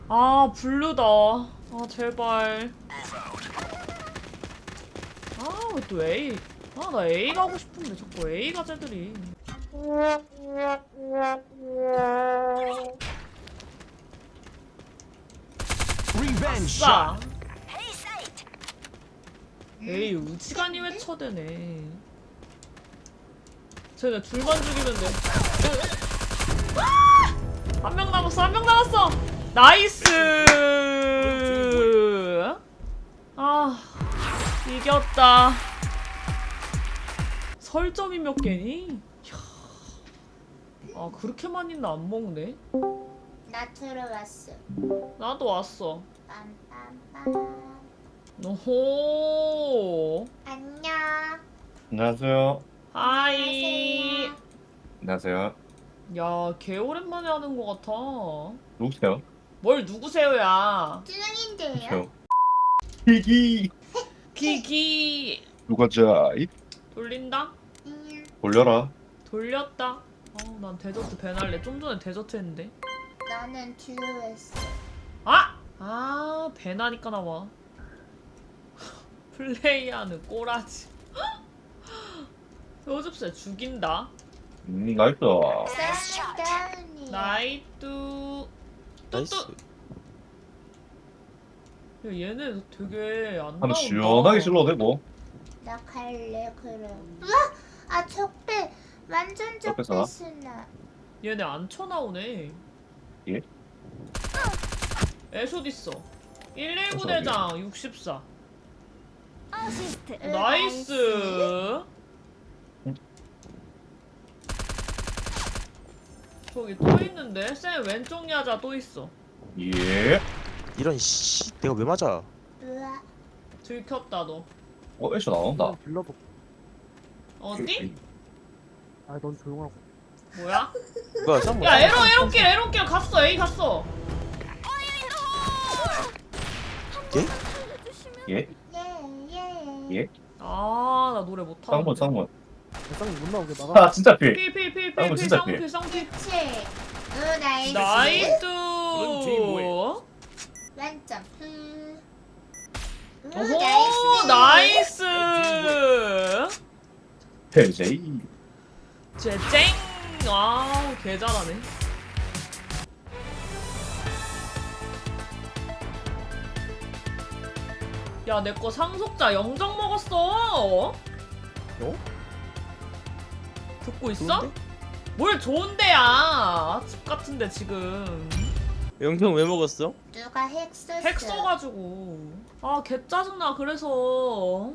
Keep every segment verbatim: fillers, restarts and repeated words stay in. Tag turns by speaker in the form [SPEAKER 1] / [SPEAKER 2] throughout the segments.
[SPEAKER 1] 아 블루다. 아 제발. 아 왜 또 A? 아 나 A 가고 싶은데 자꾸 A 가재들이. 아싸. 에이 우지간이 왜 쳐대네. 쟤네 둘만 죽이면 돼. 한 명 남았어 한 명 남았어. 나이스. 아 이겼다. 설점이 몇 개니? 이야. 아 그렇게 많이는 안 먹네.
[SPEAKER 2] 나 들어왔어.
[SPEAKER 1] 나도 왔어.
[SPEAKER 2] 빰빰빰.
[SPEAKER 1] 오호.
[SPEAKER 2] 안녕.
[SPEAKER 3] 안녕하세요.
[SPEAKER 1] 하이.
[SPEAKER 3] 안녕하세요.
[SPEAKER 1] 야, 개 오랜만에 하는 것 같아.
[SPEAKER 3] 누구세요?
[SPEAKER 1] 뭘 누구세요야?
[SPEAKER 2] 쭈영인데요?
[SPEAKER 3] 저. 희기.
[SPEAKER 1] 기기.
[SPEAKER 3] 누가 자이?
[SPEAKER 1] 돌린다?
[SPEAKER 2] 응.
[SPEAKER 3] 돌려라.
[SPEAKER 1] 돌렸다. 어, 난 데저트 배날래. 좀 전에 데저트 했는데.
[SPEAKER 2] 나는 들어왔어.
[SPEAKER 1] 아! 아, 배나니까 나와. 플레이하는 꼬라지. 요즘새 죽인다.
[SPEAKER 3] 음, 나이스.
[SPEAKER 2] 쌍다운이.
[SPEAKER 1] 나이뚜.
[SPEAKER 4] 나이스.
[SPEAKER 1] 뚜뚜. 야, 얘네 되게 안
[SPEAKER 3] 한번
[SPEAKER 1] 나온다.
[SPEAKER 3] 시원하게 질러도 되고.
[SPEAKER 2] 나 갈래 그럼. 우와! 아 적배. 완전 적배
[SPEAKER 3] 적배사?
[SPEAKER 2] 쓰나.
[SPEAKER 1] 얘네 안 쳐나오네.
[SPEAKER 3] 예?
[SPEAKER 1] 애쇼 있어. 일일구
[SPEAKER 3] 애쇼
[SPEAKER 1] 대장 육십사.
[SPEAKER 2] 어시스트.
[SPEAKER 1] 나이스. 저기 또 있는데? 쌤 왼쪽 야자 또 있어.
[SPEAKER 3] 예.
[SPEAKER 4] 이런 씨 내가 왜 맞아?
[SPEAKER 2] 우와.
[SPEAKER 1] 들켰다 너.
[SPEAKER 3] 어, 애쉬 나온다.
[SPEAKER 5] 빌러도.
[SPEAKER 1] 어디?
[SPEAKER 5] 아, 넌 조용하고.
[SPEAKER 1] 뭐야?
[SPEAKER 4] 뭐야 쌈
[SPEAKER 1] 야 에러 에러길 에러길 갔어. A 갔어.
[SPEAKER 4] 예?
[SPEAKER 3] 예?
[SPEAKER 2] 예 예.
[SPEAKER 3] 예?
[SPEAKER 1] 아 나 노래 못하는데.
[SPEAKER 3] 쌍문, 쌍문.
[SPEAKER 5] 쌍이 못 나오게 막아.
[SPEAKER 3] 아, 진짜 필.
[SPEAKER 1] 필필필필필
[SPEAKER 3] 쌍문 진짜
[SPEAKER 1] 쌍필
[SPEAKER 3] 필.
[SPEAKER 1] 쌍필.
[SPEAKER 2] 그치. 어 나이스.
[SPEAKER 1] 나이스.
[SPEAKER 2] 완점. 음. 오
[SPEAKER 1] 오호
[SPEAKER 2] 나이스.
[SPEAKER 1] 나이스.
[SPEAKER 3] 헬제이.
[SPEAKER 1] 쟤 쨍. 와우 개 잘하네. 야 내 거 상속자 영정 먹었어.
[SPEAKER 4] 어?
[SPEAKER 1] 듣고 있어?
[SPEAKER 4] 좋은데?
[SPEAKER 1] 뭘 좋은데야. 집 같은데 지금
[SPEAKER 4] 영경 왜 먹었어?
[SPEAKER 2] 누가 핵 썼어?
[SPEAKER 1] 핵 써가지고 아 개 짜증나. 그래서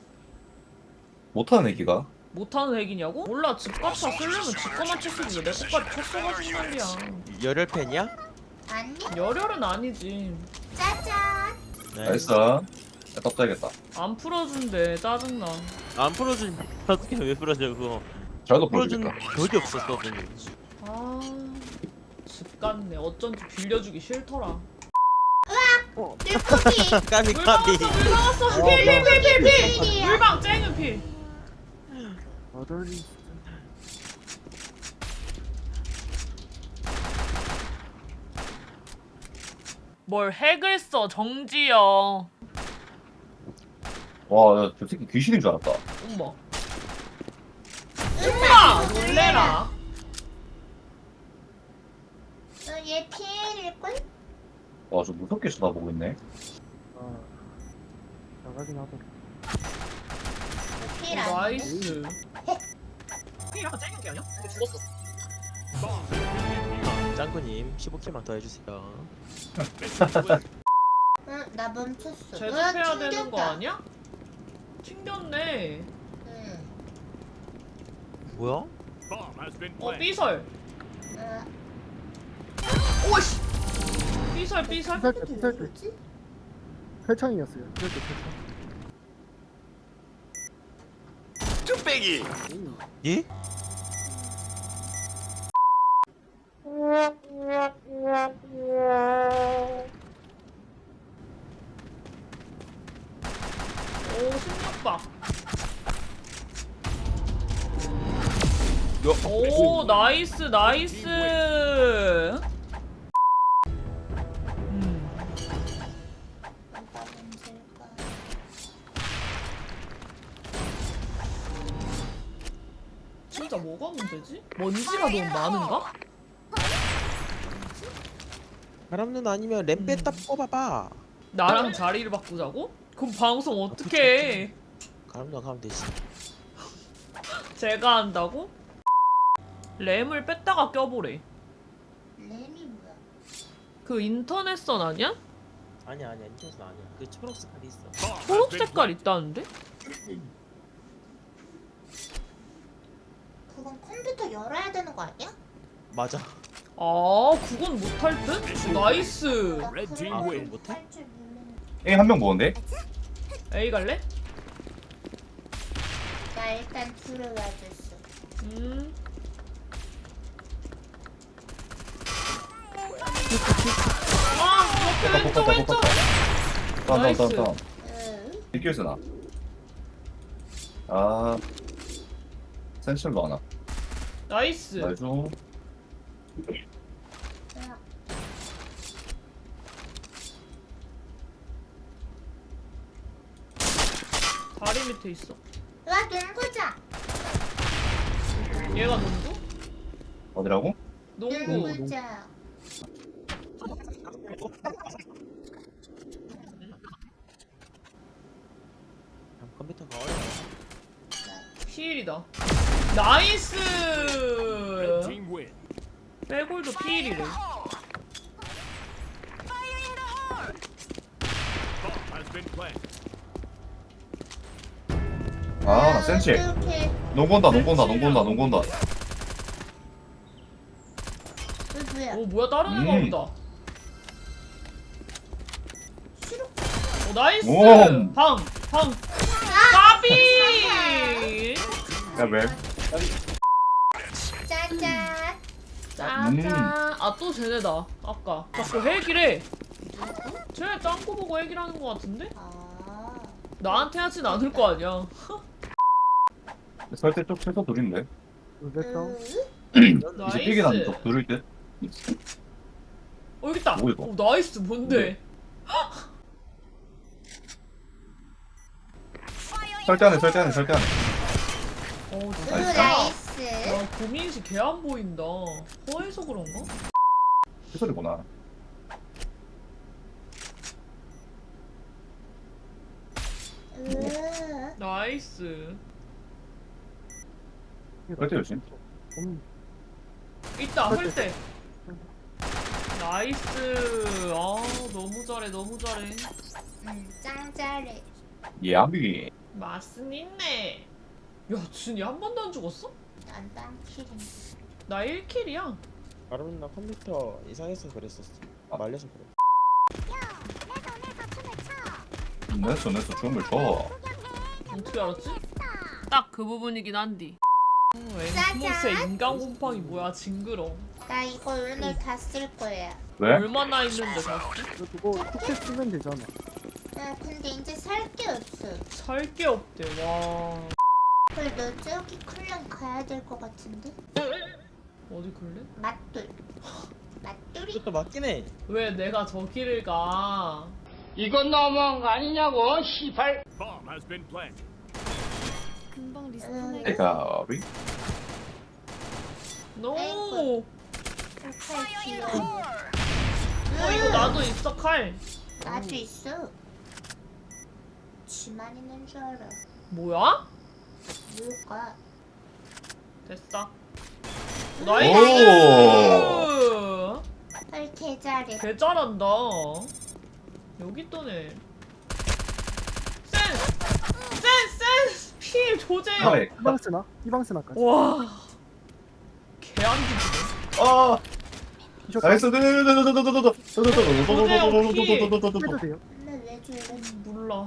[SPEAKER 3] 못하는 애기가.
[SPEAKER 1] 못하는 핵이냐고? 몰라. 집값 다 쓰려면 집 거만 쳤어도 왜 내 것까지 쳤어가지고 말이야.
[SPEAKER 4] 열혈팬이야?
[SPEAKER 2] 아니?
[SPEAKER 1] 열혈은 아니지.
[SPEAKER 2] 짜잔.
[SPEAKER 3] 나이스. 야, 떡자겠다.
[SPEAKER 1] 안 풀어준대. 짜증나.
[SPEAKER 4] 안 풀어준 어떻게 왜 풀어줘 그거?
[SPEAKER 3] 잘도
[SPEAKER 4] 풀어준
[SPEAKER 3] 풀어주겠다.
[SPEAKER 4] 적이 없었어 그거.
[SPEAKER 1] 아, 집 같네. 어쩐지 빌려주기 싫더라.
[SPEAKER 2] 물고기.
[SPEAKER 4] 까비
[SPEAKER 1] 물
[SPEAKER 4] 까비.
[SPEAKER 1] 나왔어, 물 나왔어. 필, 필, 필, 필, 필.
[SPEAKER 2] 필이야.
[SPEAKER 1] 물방 쨍은 필.
[SPEAKER 5] 아들이
[SPEAKER 1] 뭘 핵을 써, 정지여.
[SPEAKER 3] 와, 야, 저 새끼 귀신인 줄 알았다.
[SPEAKER 1] 엄마. 엄마! 놀래라.
[SPEAKER 2] 너얘 피해일걸?
[SPEAKER 3] 와, 저 무섭게 쳐다보고 있네.
[SPEAKER 5] 아 나가긴 하더라.
[SPEAKER 2] 피해
[SPEAKER 1] 어,
[SPEAKER 2] 안 해.
[SPEAKER 1] 나이스. 필 약간 쨍은 게 아니야? 근데 죽었어.
[SPEAKER 4] 짱구님 십오 킬만 더 해주세요.
[SPEAKER 2] 응, 나 멈췄어.
[SPEAKER 1] 제접해야
[SPEAKER 2] 으,
[SPEAKER 1] 되는 거
[SPEAKER 2] 튕겼다.
[SPEAKER 1] 아니야? 튕겼네.
[SPEAKER 2] 응.
[SPEAKER 4] 뭐야?
[SPEAKER 1] 어, 삐설.
[SPEAKER 2] 어,
[SPEAKER 1] 오씨. 삐설, 삐설.
[SPEAKER 5] 피살 때 피살 때
[SPEAKER 2] 뭐지?
[SPEAKER 5] 펠창이었어요. 피살 때 펠창.
[SPEAKER 4] 뚝배기. 예?
[SPEAKER 1] 오, 십육 박.
[SPEAKER 4] 요.
[SPEAKER 1] 오, 나이스, 나이스. 음. 진짜 뭐가 문제지? 먼지가 너무 많은가?
[SPEAKER 4] 바람 누나 아니면 램 뺐다
[SPEAKER 1] 음.
[SPEAKER 4] 뽑아봐.
[SPEAKER 1] 나랑 자리를 바꾸자고? 그럼 방송 어떻게 해?
[SPEAKER 4] 바람 누나 가면 되지.
[SPEAKER 1] 제가 한다고? 램을 뺐다가 껴보래.
[SPEAKER 2] 램이 뭐야?
[SPEAKER 1] 그 인터넷선 아니야?
[SPEAKER 4] 아니야 아니야 인터넷은 아니야. 그 초록 색깔이 있어.
[SPEAKER 1] 초록 색깔 있다는데?
[SPEAKER 2] 그건 컴퓨터 열어야 되는 거 아니야?
[SPEAKER 4] 맞아.
[SPEAKER 1] 아 그건 못할 듯? 나이스.
[SPEAKER 2] 나
[SPEAKER 6] Red team
[SPEAKER 2] 그런
[SPEAKER 6] win.
[SPEAKER 2] 거 못할 줄 모르는.
[SPEAKER 3] A 한 명 먹었네?
[SPEAKER 1] A 갈래?
[SPEAKER 2] 나 일단 들어와 줬어.
[SPEAKER 1] 음. 아 옆에 왼쪽 왼쪽.
[SPEAKER 3] 다운 다운
[SPEAKER 1] 나이스.
[SPEAKER 3] 다운 다운.
[SPEAKER 2] 응.
[SPEAKER 3] 비켜있어 나. 아 센실로 하나.
[SPEAKER 1] 나이스.
[SPEAKER 3] 나이스.
[SPEAKER 2] 야,
[SPEAKER 1] 다리 밑에 있어.
[SPEAKER 2] 와 농구장.
[SPEAKER 1] 얘가 농구?
[SPEAKER 3] 어디라고?
[SPEAKER 1] 농구.
[SPEAKER 2] 농구장.
[SPEAKER 4] 컴퓨터가 어려워.
[SPEAKER 1] 피일이다. 나이스.
[SPEAKER 6] Red team win.
[SPEAKER 1] 빼골도 피일이래.
[SPEAKER 6] Bomb has been planted.
[SPEAKER 3] 아나 센치.
[SPEAKER 2] 이렇게
[SPEAKER 3] 농구 온다 농구 온다 농구 온다 농구 온다.
[SPEAKER 2] 그 뭐야?
[SPEAKER 1] 오 뭐야 다른 애가
[SPEAKER 3] 음.
[SPEAKER 1] 보다.
[SPEAKER 2] 싫어.
[SPEAKER 1] 오 나이스.
[SPEAKER 3] 오.
[SPEAKER 1] 방 방. 까비.
[SPEAKER 3] 야 왜?
[SPEAKER 2] 짜잔.
[SPEAKER 1] 짜잔.
[SPEAKER 3] 음.
[SPEAKER 1] 아 또 쟤네다. 아까 자꾸 핵이래. 쟤네 짱구 보고 핵이라는 거 같은데?
[SPEAKER 2] 아.
[SPEAKER 1] 나한테 하진 않을 거 아니야.
[SPEAKER 3] 설대 쪽 최소 둘인데.
[SPEAKER 5] 웹다운.
[SPEAKER 2] 으?
[SPEAKER 3] 이제 삐게 나는
[SPEAKER 1] 나이스.
[SPEAKER 3] 쪽 둘일 듯.
[SPEAKER 1] 어 여기 있다.
[SPEAKER 3] 뭐 이거?
[SPEAKER 1] 오 나이스 뭔데?
[SPEAKER 3] 설대 안에 설대 안에 설대 안에.
[SPEAKER 1] 어
[SPEAKER 2] 으,
[SPEAKER 1] 진짜.
[SPEAKER 2] 나이스.
[SPEAKER 1] 와 고민씨 개 안 보인다. 허해서 그런가?
[SPEAKER 3] 최소리구나.
[SPEAKER 2] 으.
[SPEAKER 1] 나이스.
[SPEAKER 3] 설대 조심.
[SPEAKER 5] 음,
[SPEAKER 1] 있다 헐때. 나이스. 아 너무 잘해 너무 잘해.
[SPEAKER 2] 응, 짱 잘해.
[SPEAKER 3] 예암비.
[SPEAKER 1] 맛은 있네. 야 준이 한 번도 안 죽었어?
[SPEAKER 2] 난 빵킬인데.
[SPEAKER 1] 나 일 킬이야.
[SPEAKER 4] 바람 누나 컴퓨터 이상해서 그랬었어.
[SPEAKER 3] 아.
[SPEAKER 4] 말려서 그래.
[SPEAKER 3] 냈어 냈어 좋은 걸 줘.
[SPEAKER 1] 어떻게 알았지? 딱 그 부분이긴 한디. 앵무새 인간 곰팡이 뭐야 징그러.
[SPEAKER 2] 나 이거 오늘 다 쓸 거야.
[SPEAKER 3] 왜?
[SPEAKER 1] 얼마나 있는데 다
[SPEAKER 5] 이거 그거 쿠키 쓰면 되잖아.
[SPEAKER 2] 야, 근데 이제 살 게 없어.
[SPEAKER 1] 살 게 없대. 와
[SPEAKER 2] 그래, 너 저기 클랜 가야 될 것 같은데?
[SPEAKER 1] 어디 그래?
[SPEAKER 2] 맛돌. 맛돌이?
[SPEAKER 4] 이것도 맞긴 해.
[SPEAKER 1] 왜 내가 저기를 가?
[SPEAKER 7] 이건 너무한 거 아니냐고, 시발.
[SPEAKER 6] Bomb has been planted.
[SPEAKER 8] 금방 리스폰
[SPEAKER 2] 음.
[SPEAKER 8] 해.
[SPEAKER 3] 대가비.
[SPEAKER 1] 노.
[SPEAKER 2] 아이고. 칼 귀여워.
[SPEAKER 1] 어 이거 나도 있어 칼.
[SPEAKER 2] 나도 있어. 지만 있는 줄 알아.
[SPEAKER 1] 뭐야?
[SPEAKER 2] 뭐가?
[SPEAKER 1] 됐어.
[SPEAKER 3] 오.
[SPEAKER 1] 나이스.
[SPEAKER 2] 헐, 개 잘해.
[SPEAKER 1] 개 잘한다. 여기 있더네. 센스! 센스! 센스! 필 조재요.
[SPEAKER 3] 하이.
[SPEAKER 5] 이방 쓰나? 이방 쓰나까지.
[SPEAKER 1] 와. 개 안 뒤지네.
[SPEAKER 3] 아.
[SPEAKER 5] 티셔츠
[SPEAKER 3] 나이스.
[SPEAKER 5] 해도 돼요.
[SPEAKER 2] 근데 왜 저래?
[SPEAKER 1] 몰라.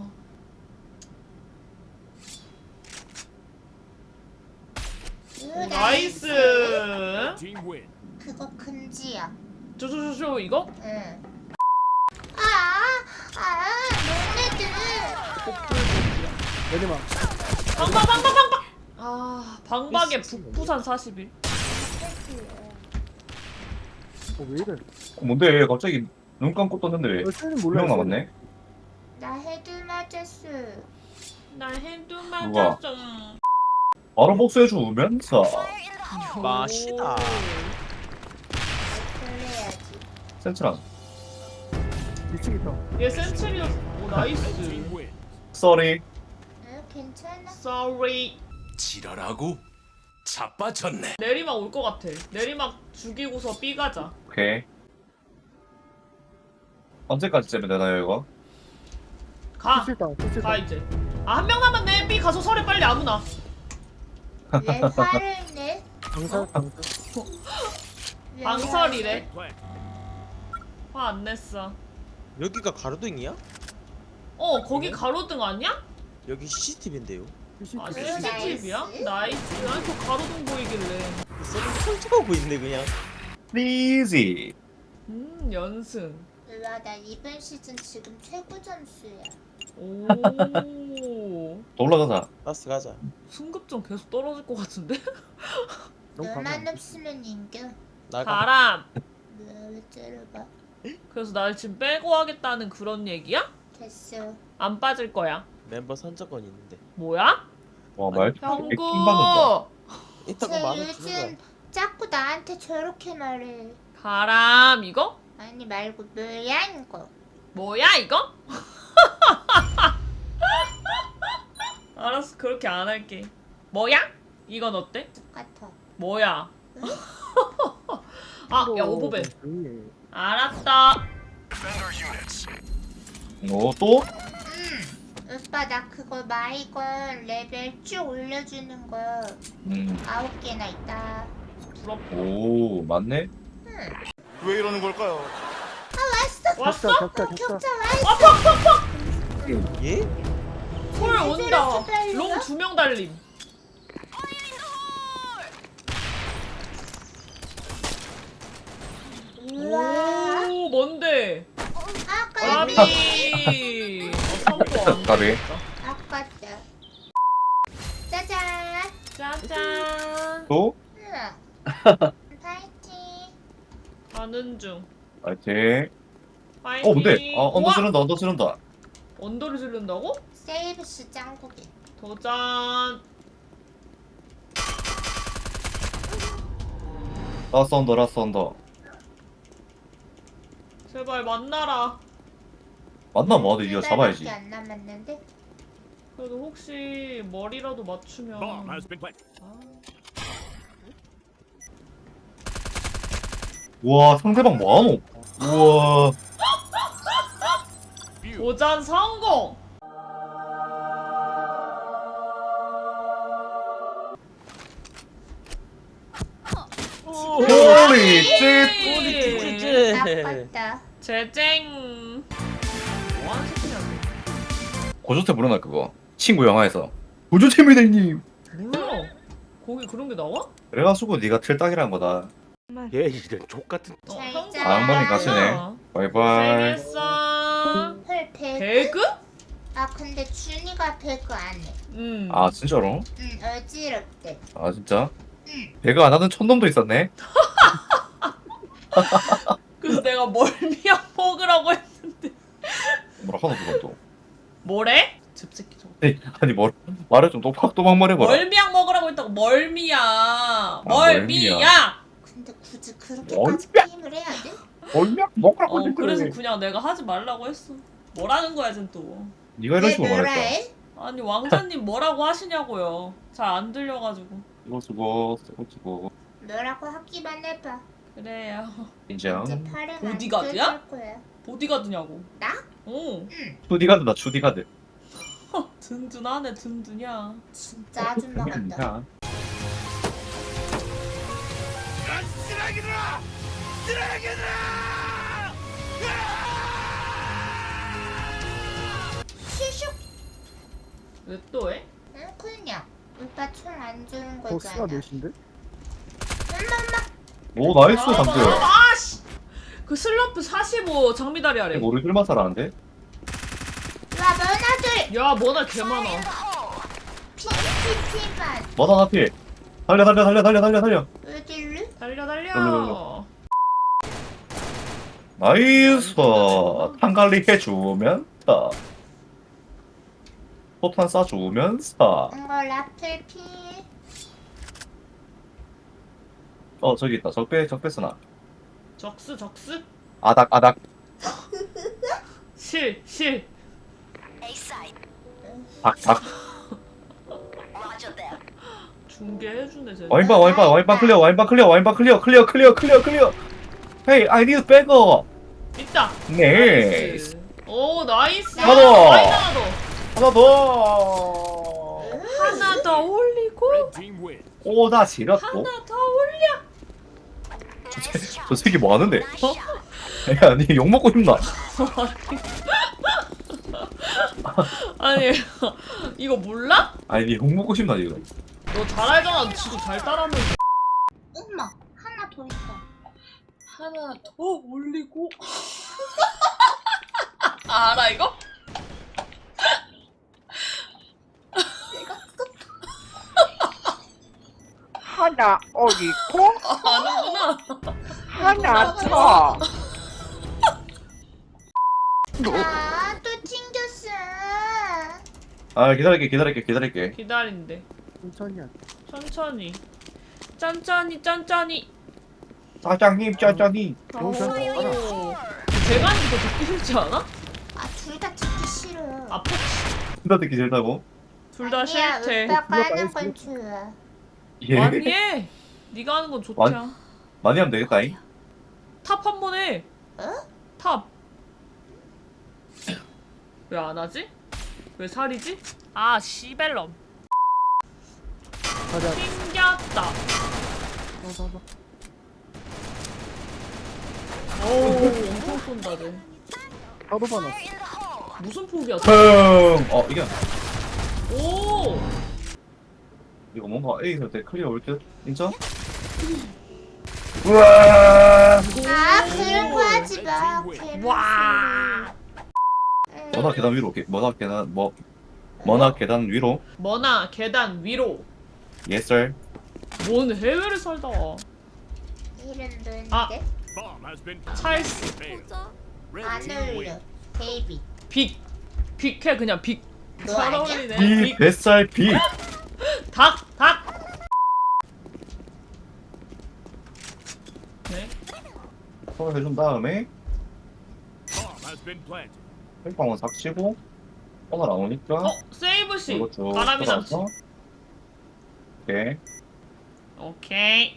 [SPEAKER 2] 으,
[SPEAKER 1] 나이스.
[SPEAKER 6] Red team win.
[SPEAKER 2] 그거 금지야.
[SPEAKER 1] 쪼쪼쪼쪼 이거?
[SPEAKER 2] 응. 아, 아, 너네들.
[SPEAKER 1] 복불복이야.
[SPEAKER 5] 내리막.
[SPEAKER 1] 방박 방박 방박. 아 방박의 북부산 사십 일.
[SPEAKER 5] 어, 왜 이래?
[SPEAKER 3] 뭔데 갑자기 눈 감고 떴는데
[SPEAKER 5] 어, 쓰는
[SPEAKER 3] 두
[SPEAKER 5] 몰라.
[SPEAKER 3] 명 남았네.
[SPEAKER 2] 나 헤드 맞았어.
[SPEAKER 1] 나 핸드
[SPEAKER 3] 누가?
[SPEAKER 1] 맞았어.
[SPEAKER 3] 바로 복수해주면서
[SPEAKER 4] 맛이다.
[SPEAKER 2] 그래야지.
[SPEAKER 3] 센트랑
[SPEAKER 5] 이 층 있다.
[SPEAKER 1] 얘 센츄리였어. 오 나이스.
[SPEAKER 6] Team win.
[SPEAKER 3] 쏘리.
[SPEAKER 2] 응, 괜찮아.
[SPEAKER 1] Sorry.
[SPEAKER 6] 지랄하고 자빠졌네.
[SPEAKER 1] 내리막 올 것 같아. 내리막 죽이고서 B 가자.
[SPEAKER 3] 오케이. 언제까지 째면 되나요 이거?
[SPEAKER 1] 가.
[SPEAKER 5] 피스 있다. 피스
[SPEAKER 1] 가
[SPEAKER 5] 있다.
[SPEAKER 1] 이제. 아 한 명 남았네. B 가서 설에 빨리 아무나.
[SPEAKER 2] 왜 화를 내?
[SPEAKER 5] 강살 강살.
[SPEAKER 2] 왜
[SPEAKER 1] 방설이래.
[SPEAKER 6] Plant.
[SPEAKER 1] 화 안 냈어.
[SPEAKER 4] 여기가 가로등이야?
[SPEAKER 1] 어 거기 가로등 아니야?
[SPEAKER 4] 여기 씨씨티비인데요.
[SPEAKER 5] 피스
[SPEAKER 1] 아
[SPEAKER 5] 있다.
[SPEAKER 2] 응,
[SPEAKER 1] 씨씨티비야?
[SPEAKER 2] 나이스.
[SPEAKER 1] 나이스. 난 저 가로등 보이길래.
[SPEAKER 4] 설치하고 있네 그냥.
[SPEAKER 3] 리지.
[SPEAKER 1] 음 연승.
[SPEAKER 2] 와, 나 이번 시즌 지금 최고 점수야.
[SPEAKER 1] 오.
[SPEAKER 3] 더 올라가자.
[SPEAKER 4] 라스 가자.
[SPEAKER 1] 승급점 계속 떨어질 것 같은데?
[SPEAKER 5] 너무
[SPEAKER 2] 너만
[SPEAKER 5] 강해.
[SPEAKER 2] 없으면 인겨.
[SPEAKER 4] 나가.
[SPEAKER 1] 바람.
[SPEAKER 2] 왜 째려봐.
[SPEAKER 1] 그래서 날 지금 빼고 하겠다는 그런 얘기야?
[SPEAKER 2] 됐어.
[SPEAKER 1] 안 빠질 거야.
[SPEAKER 4] 멤버 선정권 있는데.
[SPEAKER 1] 뭐야?
[SPEAKER 3] 와 말투 되게
[SPEAKER 1] 형구.
[SPEAKER 3] 킹받는다.
[SPEAKER 4] 이따가
[SPEAKER 2] 쟤
[SPEAKER 4] 만원 주는 거야.
[SPEAKER 2] 요즘 자꾸 나한테 저렇게 말해.
[SPEAKER 1] 바람 이거?
[SPEAKER 2] 아니 말고 뭐야 이거.
[SPEAKER 1] 뭐야 이거? 알았어 그렇게 안 할게. 뭐야? 이건 어때?
[SPEAKER 2] 똑같아.
[SPEAKER 1] 뭐야? 아, 야 오버벤.
[SPEAKER 5] 조용히 해.
[SPEAKER 1] 알았다.
[SPEAKER 3] 오 또?
[SPEAKER 2] 응. 오빠 나 그거 마이건 레벨 쭉 올려주는 거
[SPEAKER 3] 음.
[SPEAKER 2] 아홉 개나 있다.
[SPEAKER 1] 부럽다.
[SPEAKER 3] 오 맞네.
[SPEAKER 2] 응.
[SPEAKER 9] 왜 이러는 걸까요?
[SPEAKER 1] 왔어?
[SPEAKER 5] 격자 격자 격자.
[SPEAKER 2] 격자 와 있어.
[SPEAKER 4] 예?
[SPEAKER 1] 콜 온다.
[SPEAKER 2] 저렇게 달려?
[SPEAKER 1] 롱 두 명 달림.
[SPEAKER 2] 우와.
[SPEAKER 1] 오 뭔데?
[SPEAKER 2] 아까
[SPEAKER 1] 까비. 어,
[SPEAKER 3] 까비.
[SPEAKER 2] 아깝다. 짜잔.
[SPEAKER 1] 짜잔.
[SPEAKER 3] 또?
[SPEAKER 2] 응. 파이팅.
[SPEAKER 1] 가는 중.
[SPEAKER 3] 파이팅.
[SPEAKER 1] 파이팅.
[SPEAKER 3] 어 근데 아 언더
[SPEAKER 1] 우와!
[SPEAKER 3] 지른다 언더 지른다.
[SPEAKER 1] 언더를 지른다고?
[SPEAKER 2] 세이브스 짱구기.
[SPEAKER 1] 도전.
[SPEAKER 3] 라스 언더 라스 언더.
[SPEAKER 1] 제발 만나라.
[SPEAKER 3] 만나면 어디 이거 잡아야지.
[SPEAKER 2] 안 남았는데.
[SPEAKER 1] 그래도 혹시 머리라도 맞추면.
[SPEAKER 6] Bomb has been planted.
[SPEAKER 3] 우와 상대방 뭐하노? 우와.
[SPEAKER 1] 도전 성공.
[SPEAKER 3] 홀리 쉣.
[SPEAKER 4] 찌찌.
[SPEAKER 2] 아깝다.
[SPEAKER 1] 제쟁. 뭐하는 새끼냐?
[SPEAKER 3] 고조태 물어나 그거. 친구 영화에서. 고조태입니다 형님.
[SPEAKER 1] 몰라. 거기 그런 게 나와?
[SPEAKER 3] 그래가지고 네가 틀딱이란 거다.
[SPEAKER 6] 얘 이런 족 같은.
[SPEAKER 1] 어,
[SPEAKER 2] 잘
[SPEAKER 1] 형구
[SPEAKER 2] 자.
[SPEAKER 3] 아, 한 번에 가시네. 바이바이.
[SPEAKER 1] 고생했어.
[SPEAKER 2] 헐 배그.
[SPEAKER 1] 배그?
[SPEAKER 2] 아 근데 준이가 배그 안 해.
[SPEAKER 1] 응.
[SPEAKER 3] 아 진짜로?
[SPEAKER 2] 응 어지럽대.
[SPEAKER 3] 아 진짜?
[SPEAKER 2] 응.
[SPEAKER 3] 배가 안 하는 촌놈도 있었네.
[SPEAKER 1] 그래서 내가 멀미약 먹으라고 했는데.
[SPEAKER 3] 뭐라 하노 그것도.
[SPEAKER 1] 뭐래? 즙새끼 저거.
[SPEAKER 3] 아니, 아니 뭐 말을 좀 똑박또박 말해봐라.
[SPEAKER 1] 멀미약 먹으라고 했다고. 멀미야. 멀미야.
[SPEAKER 3] 멀미야.
[SPEAKER 2] 근데 굳이
[SPEAKER 3] 뭘?
[SPEAKER 2] 그렇게까지 게임을 해야 돼?
[SPEAKER 3] 얼마 먹으라고
[SPEAKER 1] 어
[SPEAKER 3] 했는데.
[SPEAKER 1] 그래서 그냥 내가 하지 말라고 했어. 뭐라는 거야 쟨 또.
[SPEAKER 3] 네가 이런
[SPEAKER 2] 왜
[SPEAKER 3] 식으로
[SPEAKER 2] 뭐라
[SPEAKER 3] 말했다.
[SPEAKER 2] 해?
[SPEAKER 1] 아니 왕자님 뭐라고 하시냐고요. 잘 안 들려가지고.
[SPEAKER 3] 이거 쓰고 쓰고 쓰고.
[SPEAKER 2] 뭐라고 하기만 해봐.
[SPEAKER 1] 그래요.
[SPEAKER 3] 인정.
[SPEAKER 2] 이제 팔에
[SPEAKER 1] 보디가드야?
[SPEAKER 2] 거야.
[SPEAKER 1] 보디가드냐고.
[SPEAKER 2] 나?
[SPEAKER 1] 어.
[SPEAKER 3] 추디가드다 추디가드.
[SPEAKER 1] 든든하네 든든이야.
[SPEAKER 2] 진짜 아줌마 같다.
[SPEAKER 3] 야.
[SPEAKER 6] 쓰레기들아! 쓰레기들아!
[SPEAKER 2] 슈슉.
[SPEAKER 1] 왜 또 해?
[SPEAKER 2] 응 그냥. 오빠 총 안 주는
[SPEAKER 5] 버스가
[SPEAKER 2] 거잖아.
[SPEAKER 5] 몇인데?
[SPEAKER 3] 오 나이스
[SPEAKER 1] 아,
[SPEAKER 3] 감들.
[SPEAKER 1] 아씨. 그 슬럼프 사십오 장미다리 아래.
[SPEAKER 3] 이거 우리 둘만 살아는데?
[SPEAKER 2] 와 너나들.
[SPEAKER 1] 야 뭐나 개 많아.
[SPEAKER 2] 피피피만.
[SPEAKER 3] 뭐다 나필. 달려 달려 달려 달려 달려 달려.
[SPEAKER 2] 어딜로?
[SPEAKER 1] 달려 달려.
[SPEAKER 3] 달려, 나이스. 탄갈리 해주면서. 포탄 쏴주면서.
[SPEAKER 2] 이거 라플 피.
[SPEAKER 3] 어 저기 있다. 적배 적배 쓰나.
[SPEAKER 1] 적스 적스?
[SPEAKER 3] 아닥 아닥.
[SPEAKER 1] 실 실.
[SPEAKER 3] 닭닭.
[SPEAKER 1] 중계해주네 쟤.
[SPEAKER 3] 와인바 와인바 와인바 클리어 와인바 클리어 와인바 클리어 클리어 클리어 클리어 클리어. 헤이 I need 백업.
[SPEAKER 1] 있다.
[SPEAKER 3] 네.
[SPEAKER 1] 나이스. 오 나이스.
[SPEAKER 3] 하나 더.
[SPEAKER 1] 라인 하나 더.
[SPEAKER 3] 하나 더.
[SPEAKER 1] 하나 더 올리고
[SPEAKER 6] Team win.
[SPEAKER 3] 오나 지렸고.
[SPEAKER 1] 하나 더 올려.
[SPEAKER 3] 저 새끼 뭐 하는데? 어? 아니 욕 먹고 싶나?
[SPEAKER 1] 아니 이거 몰라?
[SPEAKER 3] 아니 욕 먹고 싶나 지금?
[SPEAKER 1] 너 잘 알잖아. 지도 잘 따라하면서.
[SPEAKER 2] 엄마 하나 더 있어.
[SPEAKER 1] 하나 더 올리고. 알아 이거?
[SPEAKER 5] 하나 어리고
[SPEAKER 1] 아는구나.
[SPEAKER 5] 하나 더.
[SPEAKER 2] 아또 튕겼어.
[SPEAKER 3] 아 기다릴게 기다릴게 기다릴게.
[SPEAKER 1] 기다린대.
[SPEAKER 5] 천천히 하
[SPEAKER 1] 천천히. 짠짠이 짠짠이.
[SPEAKER 3] 사장님 짜장님.
[SPEAKER 1] 오.
[SPEAKER 5] 너무 잘 알아.
[SPEAKER 1] 제가 하는 게 더 듣기 싫지 않아?
[SPEAKER 2] 아 둘 다 듣기 싫어.
[SPEAKER 1] 아프.
[SPEAKER 3] 나 듣기 싫다고?
[SPEAKER 1] 둘 다
[SPEAKER 2] 아니야,
[SPEAKER 1] 싫대.
[SPEAKER 2] 오빠가
[SPEAKER 5] 이거
[SPEAKER 2] 하는
[SPEAKER 5] 말했어.
[SPEAKER 2] 건 좋아.
[SPEAKER 3] 예.
[SPEAKER 1] 많이 해. 네가 하는 건 좋자.
[SPEAKER 3] 많이- 많이 하면 되겠다잉.
[SPEAKER 1] 탑 한 번 해.
[SPEAKER 2] 어?
[SPEAKER 1] 탑. 왜 안 하지? 왜 살이지? 아 시벨럼.
[SPEAKER 5] 가자.
[SPEAKER 1] 튕겼다.
[SPEAKER 5] 가자.
[SPEAKER 1] 오 엄청 쏜다 쟤.
[SPEAKER 5] 바로 받았어.
[SPEAKER 1] 무슨 폭이야?
[SPEAKER 3] 흥. 어 이게
[SPEAKER 1] 오.
[SPEAKER 3] 이거 뭔가 A에서 때 클리어 올 듯? 인정? 우와.
[SPEAKER 2] 아 그런 거 하지 마. 개나
[SPEAKER 1] 와.
[SPEAKER 2] 소리.
[SPEAKER 3] 머나 계단 위로. 게- 머나 계단 뭐 머나 계단 위로.
[SPEAKER 1] 머나 계단 위로.
[SPEAKER 3] Yes sir.
[SPEAKER 1] 뭔 해외를 살다 와.
[SPEAKER 2] 이름 뭔데?
[SPEAKER 1] 아.
[SPEAKER 6] Bomb has been
[SPEAKER 1] 찰스.
[SPEAKER 6] failed.
[SPEAKER 8] 보자.
[SPEAKER 6] Red
[SPEAKER 2] 안
[SPEAKER 6] team
[SPEAKER 2] 어울려.
[SPEAKER 6] win.
[SPEAKER 1] 빅.
[SPEAKER 2] 데이비.
[SPEAKER 1] 빅해 그냥 빅.
[SPEAKER 2] 너
[SPEAKER 1] 잘
[SPEAKER 2] 아니야?
[SPEAKER 1] 어울리네.
[SPEAKER 3] B
[SPEAKER 1] 빅.
[SPEAKER 3] 뱃살 B.
[SPEAKER 1] 닭. 닭. 네.
[SPEAKER 3] 손을 해준 다음에
[SPEAKER 6] Bomb has been planted.
[SPEAKER 3] 헬방은 삭치고 오늘 안 오니까
[SPEAKER 1] 어 세이브시.
[SPEAKER 3] 이거 쭉
[SPEAKER 1] 바람이 남지.
[SPEAKER 3] 돌아서 오케이
[SPEAKER 1] 오케이.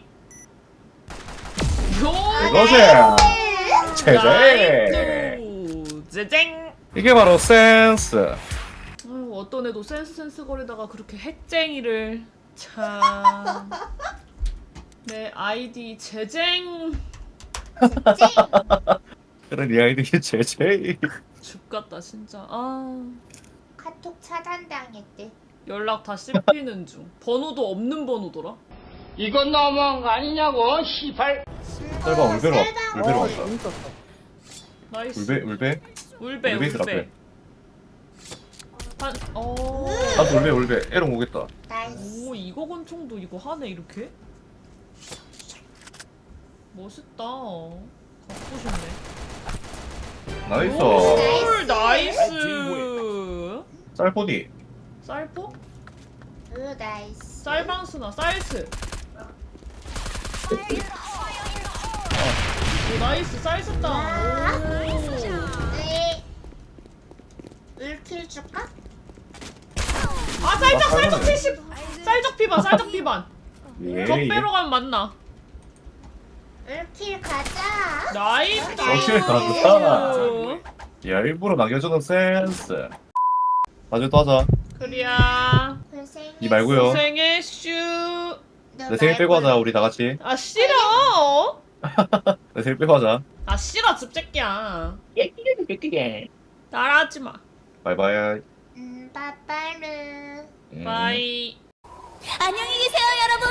[SPEAKER 1] 요.
[SPEAKER 3] 이거지. 제제.
[SPEAKER 1] 나이스. 제쟁.
[SPEAKER 3] 이게 바로 센스.
[SPEAKER 1] 아유, 어떤 애도 센스 센스 거리다가 그렇게 핵쟁이를 참. 내 아이디 제쟁.
[SPEAKER 3] 그런 이 아이들이 제제.
[SPEAKER 1] 죽겠다 진짜. 아
[SPEAKER 2] 카톡 차단당했대.
[SPEAKER 1] 연락 다 씹히는 중. 번호도 없는 번호더라.
[SPEAKER 7] 이건 너무한 거 아니냐고 시발.
[SPEAKER 3] 셀바 울베로 왔-
[SPEAKER 2] 셀바.
[SPEAKER 3] 울베로
[SPEAKER 5] 어,
[SPEAKER 3] 왔다.
[SPEAKER 5] 재밌었다.
[SPEAKER 1] 나이스.
[SPEAKER 3] 울베 울베.
[SPEAKER 1] 울베
[SPEAKER 3] 울베이스
[SPEAKER 1] 울베.
[SPEAKER 3] 앞에.
[SPEAKER 1] 한 어.
[SPEAKER 3] 나도 울베 울베. 에롱 오겠다.
[SPEAKER 2] 나이스.
[SPEAKER 1] 오 이거 권총도 이거 하네 이렇게. 멋있다. 갖고 싶네.
[SPEAKER 3] 나이스.
[SPEAKER 1] 오,
[SPEAKER 2] 나이스.
[SPEAKER 1] 나이스.
[SPEAKER 3] 쌀포디.
[SPEAKER 1] 쌀포?
[SPEAKER 2] 오 나이스.
[SPEAKER 1] 쌀방스나 쌀스. 오 나이스 쌀스다. 오.
[SPEAKER 2] 네. 울킬 줄까?
[SPEAKER 1] 아 쌀적
[SPEAKER 3] 아,
[SPEAKER 1] 쌀적
[SPEAKER 3] 잘하네.
[SPEAKER 1] 칠십. 쌀적 비반 쌀적 비반.
[SPEAKER 3] 예. 예.
[SPEAKER 1] 적배로 가면 맞나?
[SPEAKER 2] 울킬 가자.
[SPEAKER 1] 나이스.
[SPEAKER 3] 역시 가자. 야 일부러 남겨주는 센스. 나중에 또 하자.
[SPEAKER 1] 그리야.
[SPEAKER 2] 고생했어.
[SPEAKER 3] 니 말고요.
[SPEAKER 1] 고생해 슈.
[SPEAKER 2] 너
[SPEAKER 3] 내 생일 빼고
[SPEAKER 2] 말고.
[SPEAKER 3] 하자 우리 다 같이.
[SPEAKER 1] 아 싫어.
[SPEAKER 3] 내 생일 빼고 하자.
[SPEAKER 1] 아 싫어 집새끼야. 따라하지 마.
[SPEAKER 3] 바이바이.
[SPEAKER 2] 음 빠빠르.
[SPEAKER 3] 음.
[SPEAKER 1] 바이.
[SPEAKER 8] 안녕히 계세요, 여러분.